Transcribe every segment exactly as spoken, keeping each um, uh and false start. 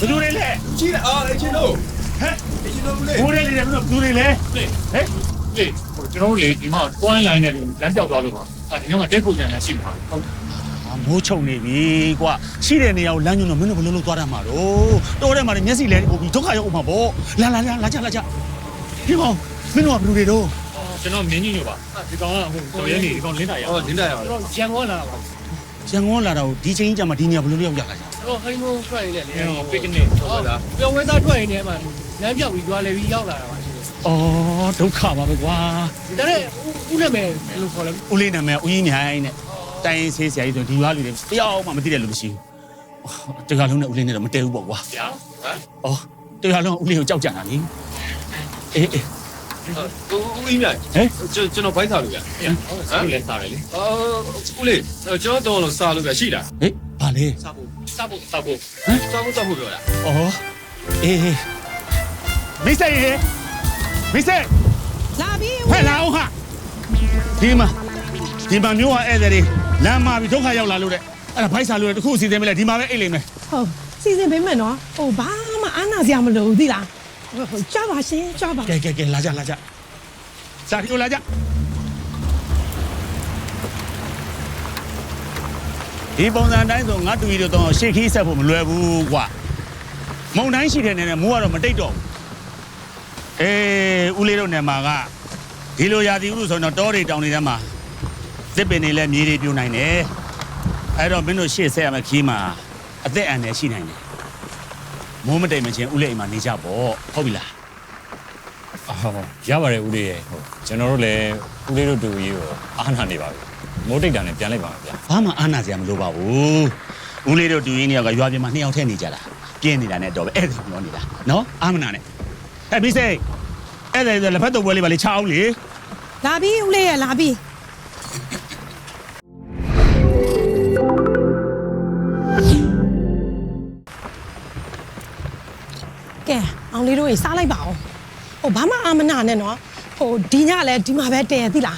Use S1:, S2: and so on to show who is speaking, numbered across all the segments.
S1: ဘယ်လိုလဲလဲ
S2: ကြီးလားအော်အချင်းတို့ဟမ်အချင်းတို့လေ
S1: ဘိုးလေးတွေလည်းဘယ်လိုလဲဟဲ့
S3: လေကျွန်တော်တို့လေဒီမှာတွိုင်းလိုင်းနဲ့လမ်းပြောက်သွားလို့ပါအဲဒီတော့တက်ဖို့ကြံရရှိမှာဟုတ်
S1: မိုးချုံနေပြီကွာရှိတဲ့နေရာကိုလမ်းညွှန်တော့မင်းတို့ဘယ်လိုလုပ်သွားတတ်မှာတော့တော်ထဲမှာမျက်စိလဲဟိုပြီးဒုက္ခရောက်အောင်ပါဗောလာလာလာလာကြလာကြဒီကောင်မင်းတို့ကဘယ်လိုတွေတော့
S3: ကျွန်တော်မြင်းကြီးညိုပါဒီကောင်ကဟိုတော်ရဲနေဒီကောင်လင်းတာရ
S2: ဟုတ်လင်းတာရပါ
S3: တော့ရန်ကုန်လာတာပါ
S1: ရန်ကုန်လာတာကိုဒီချိန်ကြီးကြမှာဒီနေရာဘယ်လိုလုပ်ရောက်လာကြ
S3: တော့ဟိုင်းမိုးထွက်နေတယ်လေပစ်ကနေဟုတ်လားပြောဝဲသားထွက်နေတယ်မှာလမ်းပြောက်ပြီးကြွားလေပြီးရောက်လာတာပါ
S1: အော်ဒုက္ခပါပဲကွာ
S3: ဒါနဲ့ဦးနာမည်ဘယ်လိုခေါ်လဲ
S1: ဦးလေးနာမည်ဦးကြီးမြိုင်နဲ့တိုင်းဆေးဆရာကြီးဆိုဒီရွာလူတွေတယောက်မှမသိတဲ့လူမရှိဘူးတကယ်လုံးနဲ့ဦးလေးနဲ့တော့မတည့်ဘူးပေါ့ကွာ
S3: ဗျာဟမ်
S1: အော်တကယ်လုံးဦးလေးကိုကြောက်ကြတာလေအေးအေး
S2: ဦးကြီးမြိုင်ဟဲ့ကျွန်တော်ဘိုက်စားလို့ဗျာ
S3: ဟုတ်ကဲ့လဲစားတယ်လေ
S2: အော်ဦးလေးကျွန်တော်တော့စားလို့ဗျာရှိတာ
S1: ဟေးဘာလဲ
S3: စားဖို့စားဖို့စားဖို့
S2: ဟမ်စားဖို့စားဖို့ပြောတာ
S1: အော်အေးမိတ်ဆက်ရေမိတ်ဆက်
S4: လာပြီ
S1: ဖက်လာအောင်ဟာဒီမှာဒီမှာမျိုးကဧည့်သည်တွေလမ်းမှာပြီးဒုက္ခရောက်လာလို့တဲ့အဲ့ဒါဘိုက်စာလို့တခုစီစဉ်မလဲဒီမှာပဲအိတ်လိမ့်မယ်
S4: ဟုတ်စီစဉ်ပေးမယ်နော်ဟိုဘာမှအားနာစရာမလိုဘူးသိလားဟိုကြပါရှင်ကြပါ
S1: ကဲကဲကဲလာကြလာကြစာတီကိုလာကြဒီပုံစံတိုင်းဆိုငါတူကြီးတို့တော့ရှေ့ခီးဆက်ဖို့မလွယ်ဘူးကွာမုံတိုင်းရှိတဲ့နေနဲ့မိုးကတော့မတိတ်တော့ဘူးအေးဦးလေးတို့နေမှာကဒီလိုရာသီဥတုဆိုတော့တောတွေတောင်တွေထဲမှာသစ်ပင်တွေလည်းမြေတွေပြိုနိုင်တယ်အဲ့တော့မင်းတို့ရှေ့ဆက်ရမယ့်ခီးမှာအသက်အန္တရာယ်ရှိနိုင်တယ်မိုးမတိတ်မချင်းဦးလေးအိမ်မှာနေကြပေါ့ဟုတ်ပြီလား
S5: ဟုတ်ရပါတယ်ဦးလေးရဲ့ဟုတ်ကျွန်တော်တို့လည်းဦးလေးတို့တူကြီးကိုအားနာနေပါပြီမိုးတိတ်တာနဲ့ပြန်လိုက်ပါမယ်ဗျာ
S1: ဘာမှအားနာစရာမလိုပါဘူးဦးလေးတို့တူကြီးနှစ်ယောက်ကရွာပြင်မှာနှစ်ယောက်ထဲနေကြတာပြင်းနေတာနဲ့တော့ပဲအဲ့ဒါပြောနေတာနော်အာမနာနဲ့အဲ့ပြီးစိတ်အဲ့ဒါလက်ဖက်တော့ပွဲလေးပါလေချအောင်လေ
S4: လာပြီဦးလေးရလာပြီကဲအောင်လေးတို့ရေစားလိုက်ပါအောင်ဟိုဘာမှအာမနာနဲ့နော်ဟိုဒီညလည်းဒီမှာပဲတည်သိလား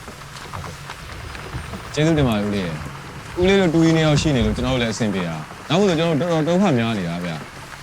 S5: ကျေးဇူးတင်ပါတယ်ဦးလေးရဲ့ဦးလေးတို့တူကြီးနေအောင်ရှိနေလို့ကျွန်တော်တို့လည်းအဆင်ပြေတာနောက်မို့ဆိုကျွန်တော်တော်တော်ဒုက္ခများနေတာဗျာ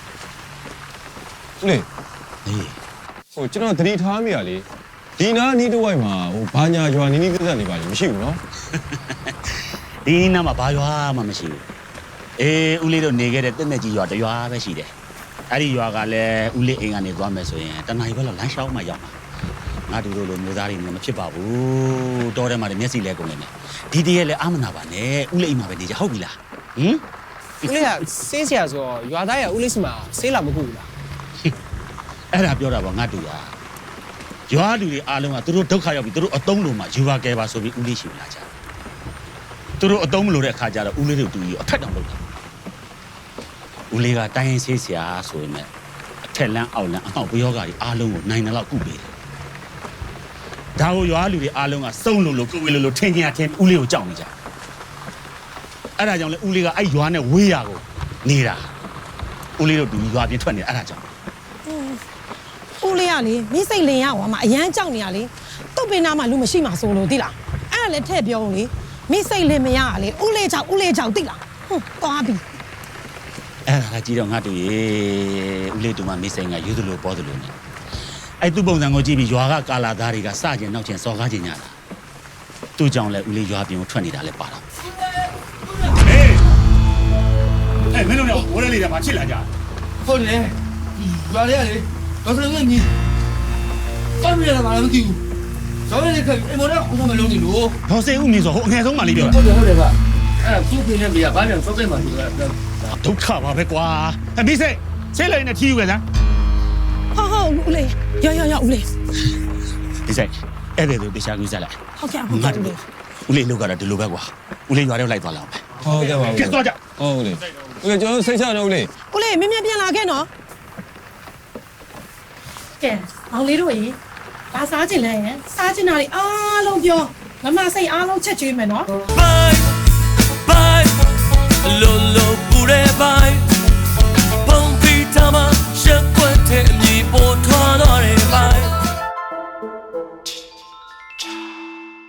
S5: ဦးလေး
S1: အေး
S5: ဟိုကျွန်တော်သတိထားမိရလေဒီနားနီးတစ်ဝိုက်မှာဟိုဘာညာရွာနီးနီးပြဿနာနေပါလိမ့်မရှိဘူးနော်
S1: ဒီနားမှာဘာရွာမှမရှိဘူးအေးဦးလေးတို့နေခဲ့တဲ့တက်တက်ကြီးရွာတရွာပဲရှိတယ်အဲ့ဒီရွာကလည်းဦးလေးအိမ်ကနေသွားမယ်ဆိုရင်တနားရီဘက်လောက်လမ်းလျှောက်မှရောက်မှာငါတို့လိုလိုမျိုးသားတွေလည်းမဖြစ်ပါဘူးတောထဲမှာလည်းမျက်စိလဲကုန်နေတယ်ဒီတည်းရဲ့လည်းအာမနာပါနဲ့ဦးလေးအိမ်မှာပဲနေကြဟုတ်ပြီလားဟင်
S3: ဦးလေးကဆေးဆရာဆိုတော့ရွာသားရဦးလေးစီမှာဆေးလာမကူဘူးလား
S1: အဲ့ဒါပြောတာပါငါတူရရွာလူတွေအားလုံးကသူတို့ဒုက္ခရောက်ပြီသူတို့အတုံးလုံးမှာယူပါကဲပါဆိုပြီးဦးလေးရှိလာကြသူတို့အတုံးမလို့တဲ့အခါကျတော့ဦးလေးတို့တူကြီးအထက်တောင်လုပ်တာဦးလေးကတိုင်းရင်ဆေးဆရာဆိုရင်လည်းအထက်လန်းအောက်လန်းအမောက်ပယောဂါတွေအားလုံးကိုနိုင်တယ်လို့ကုပေးတယ်ဒါကိုရွာလူတွေအားလုံးကစုံလို့လို့ကိုဝေလို့လို့ထင်ကြထင်ဦးလေးကိုကြောက်နေကြအဲ့ဒါကြောင့်လေဦးလေးကအဲ့ရွာနဲ့ဝေးရကိုနေတာဦးလေးတို့တူကြီးရွာပြင်ထွက်နေတာအဲ့ဒါကြောင့်
S4: ဦးလေးကလေမိစိတ်လင်ရဟောမှာအရန်ကြောက်နေရလေတုတ်ပင်နာမှာလူမရှိမှာဆိုလို့သိလားအဲ့ဒါလည်းထည့်ပြောဦးလေမိစိတ်လင်မရကလေဦးလေးကြောက်ဦးလေးကြောက်သိလားဟွန်းသွားပြီ
S1: အဲ့ဒါကြည့်တော့ငါတူရေဦးလေးတူမမိစိတ်ကယူသလိုပေါ်သလိုနဲ့အဲ့သူ့ပုံစံကိုကြည့်ပြီးရွာကကာလာသားတွေကစကျင်နောက်ကျင်စော်ကားကျင်ကြတာသူ့ကြောင့်လည်းဦးလေးရွာပြင်ကိုထွက်နေတာလည်းပါတော့ဟေးအဲ့မင်းတို့ကဝရလေးတွေမှာချစ်လာကြ
S2: ဟုတ်တယ်ရွာလေးကလေတော့ဆိုရင်ညီပတ်ပြရတာမလားမသိဘူးဇော်လေးကအိမ်မော်တော့ခေါင်းမလုံးနေလို့
S1: ဟောစိတ်ဦးမြင်ဆိုဟိုအငယ်ဆုံးမှလေးပြောတာ
S2: ဟုတ်တယ်ဟုတ်တယ်ဗျအဲ့ဒါသူ့ပြင်းနေပြီကဘာပြန်စောက်တဲ့မှာဒီက
S1: ဒုက္ခပါပဲကွာအမေစိတ်ဆေးလိုက်နေထီးယူခဲ့လား
S4: ဟုတ်ဟုတ်ဦးလေးရောရောရောဦးလေး
S1: ဒီစိတ်အဲ့ဒါတို့တရားကြီးစလိုက်
S4: ဟုတ်ကဲ့ဟုတ်ကဲ့ဦးလေး
S1: ဦးလေးလောက်ကတော့ဒီလိုပဲကွာဦးလေးရွာထဲလိုက်သွားလောက်ပဲ
S5: ဟုတ်ကဲ့ပါဦး
S1: ကဲသွားကြ
S5: ဟုတ်လေဦးလေးကျွန်တော်စိတ်ချတော့ဦးလေး
S4: ဦးလေးမင်းမြန်ပြန်လာခဲ့နော်ကဲအောင်လေးတို့ရေဘာစားချင်လဲစားချင်တာတွေအားလုံးပြောမမစိတ်အားလုံးချက်ကျွေးမယ်နော်